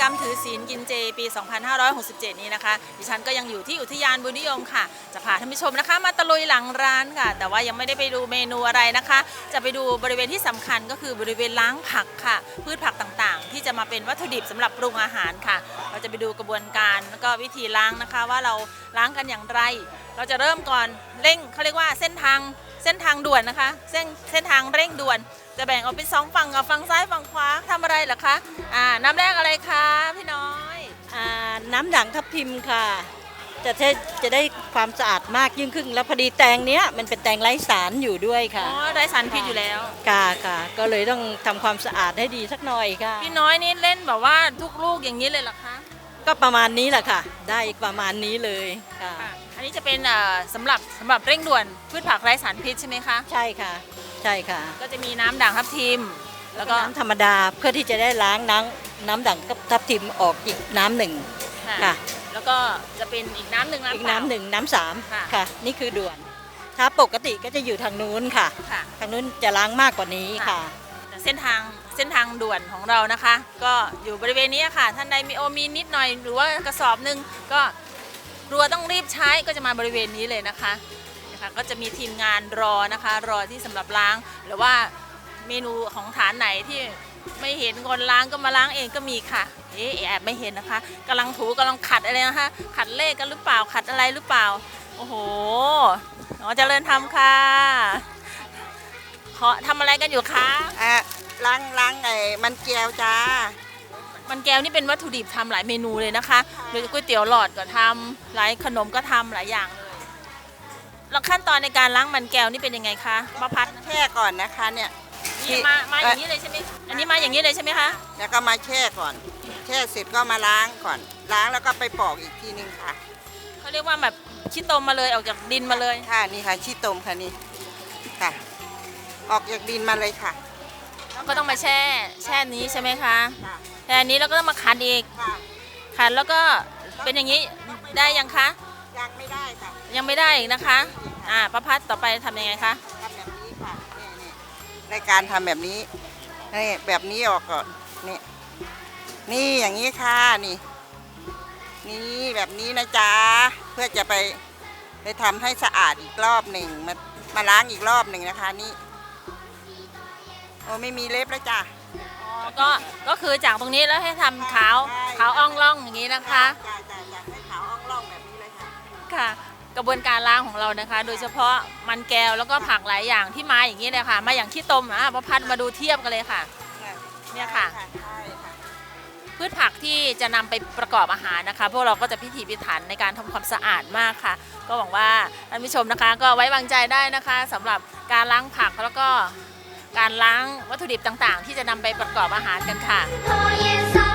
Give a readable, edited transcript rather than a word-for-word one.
มถือศีลกินเจปี 2567 นี้นะคะดิฉันก็ยังอยู่ที่อุทยานบุญนิยมค่ะจะพาท่านผู้ชมนะคะมาตะลุยหลังร้านค่ะแต่ว่ายังไม่ได้ไปดูเมนูอะไรนะคะจะไปดูบริเวณที่สำคัญก็คือบริเวณล้างผักค่ะพืชผักต่างๆที่จะมาเป็นวัตถุดิบสำหรับปรุงอาหารค่ะเราจะไปดูกระบวนการแล้วก็วิธีล้างนะคะว่าเราล้างกันอย่างไรเราจะเริ่มก่อนเร่งเขาเรียกว่าเส้นทางด่วนนะคะเส้นทางเร่งด่วนจะแบ่งออกเป็น2ฝั่งกับฝั่งซ้ายฝั่งขวาทำอะไรเหรอคะน้ำแรกอะไรคะพี่น้อยน้ำด่างทับทิมค่ะจะได้ความสะอาดมากยิ่งขึ้นแล้วพอดีแตงเนี้ยมันเป็นแตงไร้สารอยู่ด้วยค่ะอ๋อไร้สารพิษอยู่แล้วค่ะก็เลยต้องทำความสะอาดให้ดีสักหน่อยค่ะพี่น้อยนี่เล่นแบบว่าทุกลูกอย่างนี้เลยเหรอคะก็ประมาณนี้แหละค่ะได้ประมาณนี้เลยค่ะอันนี้จะเป็นสำหรับเร่งด่วนพืชผักไร้สารพิษใช่ไหมคะใช่ค่ะก็จะมีน้ำด่างทับทิมแล้วก็น้ำธรรมดาเพื่อที่จะได้ล้างน้ำด่างทับทิมออกอีกน้ำหนึ่งค่ะแล้วก็จะเป็นอีกน้ำหนึ่งน้ำสามค่ะนี่คือด่วนถ้าปกติก็จะอยู่ทางนู้นค่ะทางนู้นจะล้างมากกว่านี้ค่ะเส้นทางด่วนของเรานะคะก็อยู่บริเวณนี้ค่ะท่านใดมีนิดหน่อยหรือว่ากระสอบหนึ่งก็รัวต้องรีบใช้ก็จะมาบริเวณนี้เลยนะคะก็จะมีทีมงานรอนะคะรอที่สำหรับล้างหรือว่าเมนูของฐานไหนที่ไม่เห็นคนล้างก็มาล้างเองก็มีค่ะแอบไม่เห็นนะคะกำลังถูกำลังขัดอะไรนะคะขัดเลขกันหรือเปล่าขัดอะไรหรือเปล่าโอ้โหเจริญธรรมค่ะทำอะไรกันอยู่คะล้างไอ้มันแก้วจ้ามันแก้วนี่เป็นวัตถุดิบทำหลายเมนูเลยนะคะโดยก๋วยเตี๋ยวหลอดก็ทำหลายขนมก็ทำหลายอย่างเลยแล้วขั้นตอนในการล้างมันแก้วนี่เป็นยังไงคะมะพัดแช่ก่อนนะคะเนี่ยมาอย่างนี้เลยใช่ไหมอันนี้มาอย่างนี้เลยใช่ไหมคะแล้วก็มาแช่ก่อนแช่เสร็จก็มาล้างก่อนล้างแล้วก็ไปปอกอีกทีนึงค่ะเขาเรียกว่าแบบขี้ตมมาเลยออกจากดินมาเลยค่ะนี่ค่ะขี้ตมค่ะนี่ค่ะออกจากดินมาเลยค่ะแล้วก็ต้องมาแช่นี้ใช่ไหมคะแช่นี้แล้วก็ต้องมาขัดอีกขัดแล้วก็เป็นอย่างนี้ได้ยังคะยังไม่ได้ค่ะยังไม่ได้อีกนะคะประพัดต่อไปทำยังไงคะทำแบบนี้ค่ะในการทำแบบนี้นี่แบบนี้ออกก่อนนี่อย่างนี้ค่ะนี่แบบนี้นะจ๊ะเพื่อจะไปทำให้สะอาดอีกรอบหนึ่งมาล้างอีกรอบหนึ่งนะคะนี่โอ้ไม่มีเล็บแล้วจ้ะก็คือจากตรงนี้แล้วให้ทำขาวอ่องล่องอย่างนี้นะคะให้ขาวอ่องล่องแบบนี้เลยค่ะกระบวนการล้างของเรานะคะโดยเฉพาะมันแก้วแล้วก็ผักหลายอย่างที่มาอย่างนี้เลยค่ะมาอย่างขี้ตมประพัดมาดูเทียบกันเลยค่ะเนี่ยค่ะพืชผักที่จะนำไปประกอบอาหารนะคะพวกเราก็จะพิถีพิถันในการทำความสะอาดมากค่ะก็หวังว่าท่านผู้ชมนะคะก็ไว้วางใจได้นะคะสำหรับการล้างผักแล้วก็การล้างวัตถุดิบต่างๆที่จะนำไปประกอบอาหารกันค่ะ